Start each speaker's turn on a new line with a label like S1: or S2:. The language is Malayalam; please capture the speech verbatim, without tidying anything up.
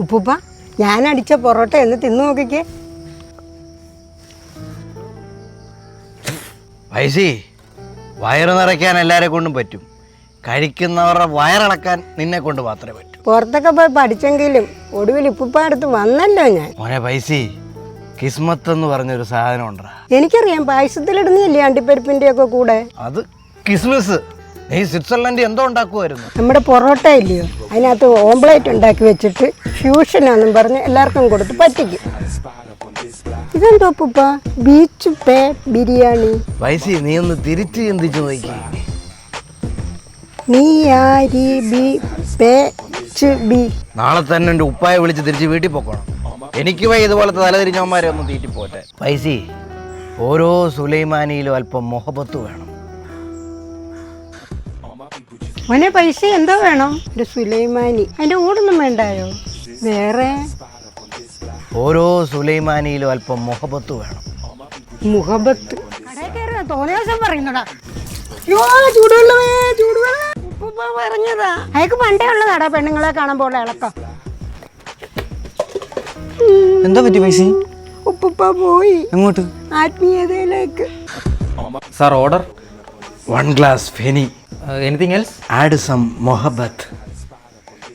S1: ഉപ്പുപ്പ ഞാൻ അടിച്ച പൊറോട്ട എന്ന് തിന്നു നോക്കിക്കേ.
S2: വയസ്സി വയറ് നിറയ്ക്കാൻ എല്ലാരെ കൊണ്ടും പറ്റും, കഴിക്കുന്നവരുടെ വയറിളക്കാൻ നിന്നെ കൊണ്ട് മാത്രമേ പറ്റൂ.
S1: പുറത്തൊക്കെ പോയി പഠിച്ചെങ്കിലും ഒടുവിൽ ഉപ്പുപ്പ അടുത്ത് വന്നല്ലോ ഞാൻ.
S2: മോനെ പൈസി, കിസ്മത്ത് എന്ന് പറഞ്ഞൊരു സാധനം ഉണ്ടാ.
S1: എനിക്കറിയാം, പായസത്തിലിടുന്നില്ലേ അണ്ടിപ്പരിപ്പിന്റെ ഒക്കെ കൂടെ.
S2: അത് കിസ്മിസ്. നീ സ്വിറ്റ്സർലൻഡ് എന്തോ ഉണ്ടാക്കുമായിരുന്നു.
S1: നമ്മുടെ പൊറോട്ട ഇല്ലയോ, അതിനകത്ത് ഓംപ്ലേറ്റ് ഉണ്ടാക്കി വെച്ചിട്ട് ഫ്യൂഷനാന്നും പറഞ്ഞ് എല്ലാവർക്കും കൊടുത്ത് പറ്റിക്കും. ഇതെന്തോ ഉപ്പുപ്പ, ബീച്ച് പേ ബിരിയാണി.
S2: വയസ്സി നീ ഒന്ന് തിരിച്ച് ചിന്തിച്ചു നോക്കി.
S1: നീ ആരി ബി പേ ച് ബി.
S2: നാളെ തന്നെ എൻ്റെ ഉപ്പായെ വിളിച്ച് തിരിച്ച് വീട്ടിൽ പോക്കണം. എനിക്ക് വൈ ഇതുപോലത്തെ തലതിരിഞ്ഞവന്മാരെ ഒന്ന് തീറ്റി പോട്ടെ. പൈസി, ഓരോ സുലൈമാനിയിലും അല്പം മൊഹബത്ത് വേണം.
S1: മോനെ പൈസ എന്തോ വേണം? ഒരു സുലൈമാനി, അതിന്റെ കൂടൊന്നും വേണ്ടായോ? വേറെ
S2: ഓരോ സുലൈമാനിയിലും അല്പം മൊഹബത്ത് വേണം.
S1: മുഹബത്ത് തോന്നിയ ദിവസം പറയുന്നടാ. ചൂടുവെള്ളമേ ചൂടുവെള്ളം. ഉപ്പുപ്പ പറഞ്ഞതാ, അയക്ക് പണ്ടേ ഉള്ളതാടാ പെണ്ണുങ്ങളെ കാണുമ്പോൾ ഇളക്കം.
S3: എന്താ പറ്റി പൈസ?
S1: ഉപ്പുപ്പ പോയി.
S3: എങ്ങോട്ട്?
S1: ആത്മീയതയിലേക്ക്.
S3: Sir order.
S2: One glass feni.
S3: Anything else?
S2: Add some മൊഹബത്ത്.